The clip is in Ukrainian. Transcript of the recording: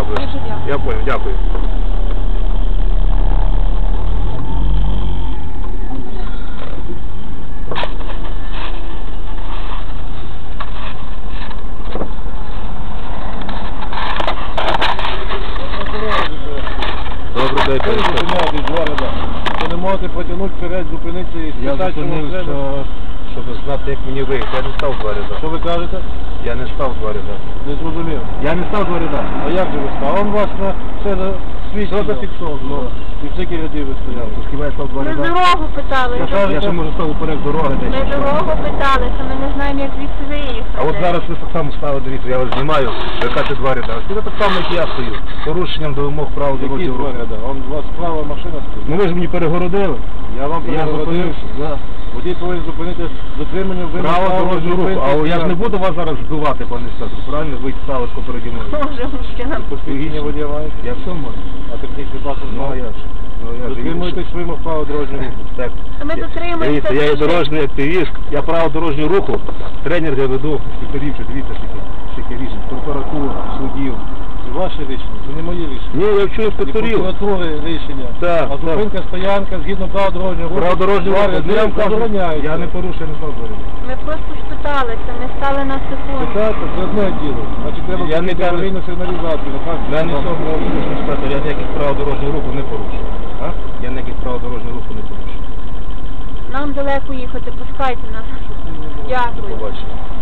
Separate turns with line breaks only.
Дякую.
Дуже дякую.
Я понял, дякую. Добрий день, пане інспектор.
Ви не можете потягнути вперед, зупинитися і
Я
спитати, чому
зупинив,
треба.
щоб знати, як мені виїхати. Я не став два ряда.
Що ви кажете?
Я не став два ряда.
Не зрозумів.
Я не став два ряда.
А як же ви став? Он вас на все свідчено.
Все зафіксовано.
І в скільки рядів ви стояли?
Хіба я став два
Ми
ряда?
дорогу питали.
Я ще можу став уперед дороги десь.
Ми дорогу питали, то ми не знаємо, як звідси виїхати.
А от зараз ви так само стали, дивіться, я вас знімаю, ви кажете два ряда. Це так само, як я стою. З порушенням до вимог правил
Які
дорожнього
два
руху.
ряда? Он у вас справа машина стоїть.
Ну ви ж мені перегородили.
Я вам
Я
перегородив.
зупинився. Да.
Водій повинен зупинити дотримання вимог
Право дорожнього руху. А я ж не буду вас зараз збивати, пане інспектор, правильно? Ви стали попереді мною.
Може, мужчина.
Посвідчення водія маєте?
Я все можу.
А технічний паспорт
Ну, а
має?
я ж. Ну, я ж.
Дотримуєтесь вимог права дорожнього руху.
Так.
Ми дотримуємося.
Дивіться, я є дорожній активіст, я право дорожнього руху, тренер я веду, інспекторів, дивіться, скільки рішень, прокуратура, судів.
Це ваше рішення, це не моє рішення.
Ні, я вчу
І
інспекторів.
прокуратури рішення.
Так,
А зупинка, стоянка, згідно права дорожнього руху.
Право дорожнього
два
руху,
ряди
я вам кажу,
забороняються.
я не порушую, не знав говорити.
Ми просто спиталися, ми стали на секунду.
Питайте, це одне діло. Значить, треба
Я не
зробити
кажу-
аварійну сигналізацію.
Я не цього інспектор, я ніяких правил дорожнього руху не порушую. А? Я ніяких правил дорожнього руху не порушую.
Нам далеко їхати, пускайте нас.
До
Дякую.
побачення.